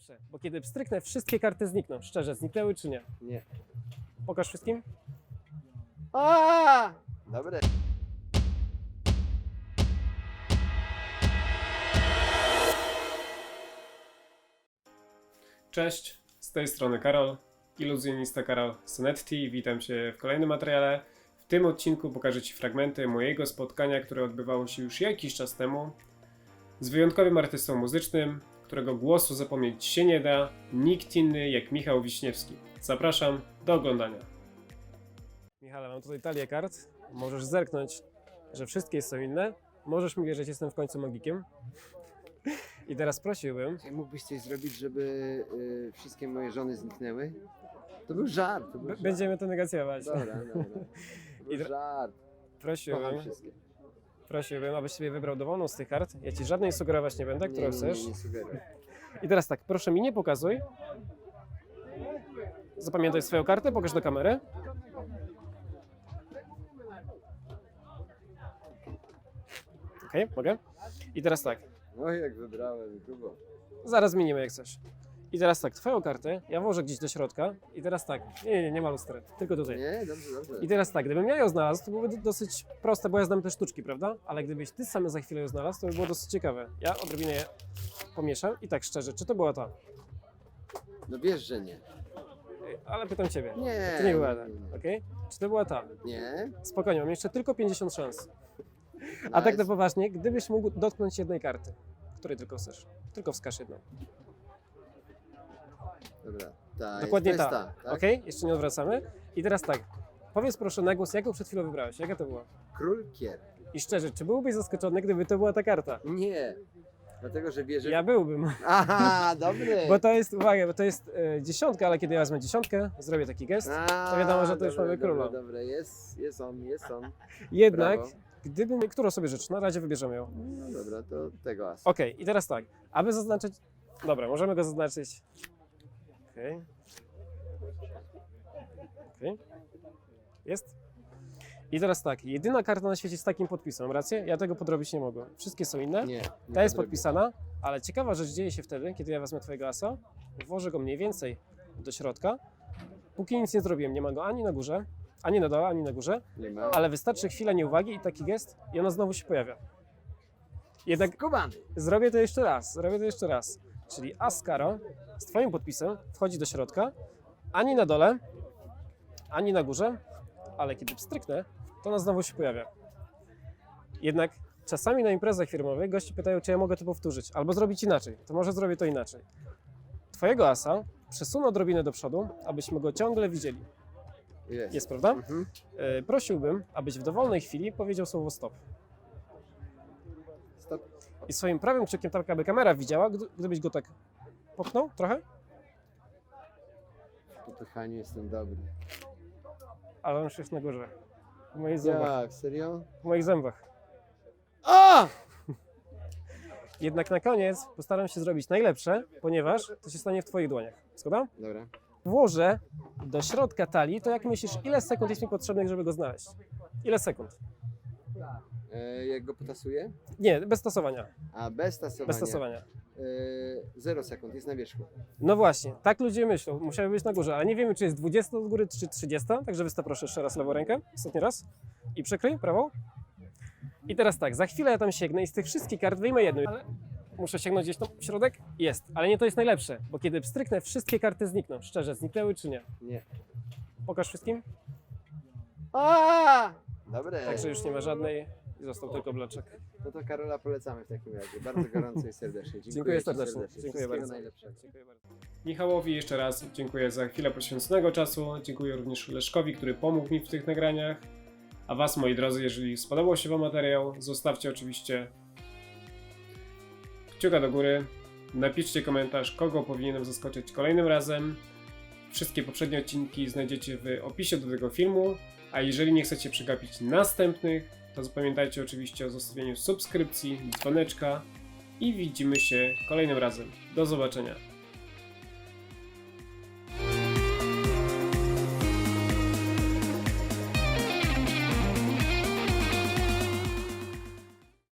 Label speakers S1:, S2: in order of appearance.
S1: najlepsze, bo kiedy pstryknę, wszystkie karty znikną. Szczerze, zniknęły czy nie?
S2: Nie.
S1: Pokaż wszystkim.
S2: A! Dobre.
S3: Cześć, z tej strony Karol, iluzjonista Karol Sonetti. Witam Cię w kolejnym materiale. W tym odcinku pokażę Ci fragmenty mojego spotkania, które odbywało się już jakiś czas temu z wyjątkowym artystą muzycznym, którego głosu zapomnieć się nie da, nikt inny jak Michał Wiśniewski. Zapraszam do oglądania.
S1: Michale, mam tutaj talię kart. Możesz zerknąć, że wszystkie są inne. Możesz mi wierzyć, jestem w końcu magikiem. I teraz prosiłbym,
S2: Czy mógłbyś coś zrobić, żeby wszystkie moje żony zniknęły? To był żart. To był żart.
S1: będziemy to negocjować.
S2: Dobra, dobra. To był
S1: I
S2: żart.
S1: Prosiłbym,
S2: Kocham wszystkie.
S1: abyś sobie wybrał dowolną z tych kart. Ja Ci żadnej sugerować nie będę, którą chcesz.
S2: Nie sugeruj.
S1: I teraz tak, proszę mi nie pokazuj. Zapamiętaj swoją kartę, pokaż do kamery. Okej, mogę? I teraz tak,
S2: No jak wybrałem, grubo.
S1: zaraz zmienimy jak coś. I teraz tak, twoją kartę ja włożę gdzieś do środka. I teraz tak, nie ma lustry, tylko tutaj.
S2: Nie, dobrze, dobrze.
S1: I teraz tak, gdybym ja ją znalazł, to byłoby dosyć proste, bo ja znam te sztuczki, prawda? Ale gdybyś ty sam za chwilę ją znalazł, to by było dosyć ciekawe. Ja odrobinę je pomieszam i tak szczerze, czy to była ta?
S2: No wiesz, że nie.
S1: Ale pytam ciebie.
S2: Nie.
S1: To nie była ta, okej? Czy to była ta?
S2: Nie.
S1: Spokojnie, mam jeszcze tylko 50 szans. A tak na poważnie, gdybyś mógł dotknąć jednej karty, której tylko chcesz, tylko wskaż jedną.
S2: Dobra. Ta
S1: Dokładnie
S2: jest,
S1: ta.
S2: to jest ta, tak?
S1: Okej? Jeszcze nie odwracamy. I teraz tak, powiedz proszę na głos, jaką przed chwilą wybrałeś, jaka to była?
S2: Król kier.
S1: I szczerze, czy byłbyś zaskoczony, gdyby to była ta karta?
S2: Nie. Dlatego, że wierzę...
S1: Ja byłbym.
S2: Aha, dobry.
S1: Bo to jest, uwaga, bo to jest dziesiątka, ale kiedy ja wezmę dziesiątkę, zrobię taki gest, to wiadomo, że to już mamy króla.
S2: Dobra, jest on.
S1: Jednak,
S2: Brawo.
S1: gdybym, którą sobie rzecz, na razie wybierzemy ją.
S2: No dobra, to tego asa.
S1: Okej, i teraz tak, aby zaznaczyć, dobra, możemy go zaznaczyć. Okej. Okej. Jest. I teraz tak, jedyna karta na świecie z takim podpisem, mam rację? Ja tego podrobić nie mogłem. Wszystkie są inne.
S2: Nie.
S1: Ta jest podpisana, ale ciekawa rzecz dzieje się wtedy, kiedy ja wezmę twojego asa, włożę go mniej więcej do środka. Póki nic nie zrobiłem, nie ma go ani na górze, ani na dole, ani na górze,
S2: Nie ma.
S1: ale wystarczy chwila nieuwagi i taki gest i ona znowu się pojawia. Jednak
S2: Skubany.
S1: zrobię to jeszcze raz. Czyli as karo z twoim podpisem wchodzi do środka, ani na dole, ani na górze, ale kiedy pstryknę, to ona znowu się pojawia. Jednak czasami na imprezach firmowych goście pytają, czy ja mogę to powtórzyć, albo zrobić inaczej. To może zrobię to inaczej. Twojego asa przesunę odrobinę do przodu, abyśmy go ciągle widzieli. Jest, prawda?
S2: Mhm.
S1: Prosiłbym, abyś w dowolnej chwili powiedział słowo stop.
S2: Stop.
S1: I swoim prawym kciukiem, tak aby kamera widziała, gdybyś go tak popchnął trochę,
S2: Po pychaniu jestem dobry.
S1: ale on już jest na górze. W moich zębach.
S2: Jak? Serio?
S1: W moich zębach.
S2: A!
S1: Jednak na koniec postaram się zrobić najlepsze, ponieważ to się stanie w twoich dłoniach. Zgoda?
S2: Dobra.
S1: Włożę do środka talii, to jak myślisz, ile sekund jest mi potrzebnych, żeby go znaleźć? Ile sekund?
S2: Jak go potasuję?
S1: Nie, bez tasowania.
S2: A bez tasowania.
S1: Bez tasowania.
S2: 0 sekund, jest na wierzchu.
S1: No właśnie, tak ludzie myślą. Musiały być na górze, ale nie wiemy, czy jest 20 od góry, czy 30. Także wystaw proszę jeszcze raz lewą rękę. Ostatni raz. I przykryj prawą. I teraz tak, za chwilę ja tam sięgnę i z tych wszystkich kart wyjmę jedną. Ale muszę sięgnąć gdzieś tam w środek? Jest, ale nie to jest najlepsze, bo kiedy pstryknę, wszystkie karty znikną. Szczerze, zniknęły czy nie?
S2: Nie.
S1: Pokaż wszystkim.
S2: A! Dobre.
S1: Także już nie ma żadnej i został tylko bloczek.
S2: No to Karola polecamy w takim razie. Bardzo gorąco i serdecznie.
S1: Dziękuję
S2: ci
S1: serdecznie.
S2: serdecznie.
S1: Dziękuję
S2: Wszystkiego
S1: bardzo.
S2: najlepszego.
S1: Dziękuję bardzo.
S3: Michałowi jeszcze raz dziękuję za chwilę poświęconego czasu, dziękuję również Leszkowi, który pomógł mi w tych nagraniach. A Was, moi drodzy, jeżeli spodobał się Wam materiał, zostawcie oczywiście kciuka do góry, napiszcie komentarz, kogo powinienem zaskoczyć kolejnym razem. Wszystkie poprzednie odcinki znajdziecie w opisie do tego filmu, a jeżeli nie chcecie przegapić następnych, to zapamiętajcie oczywiście o zostawieniu subskrypcji, dzwoneczka i widzimy się kolejnym razem. Do zobaczenia.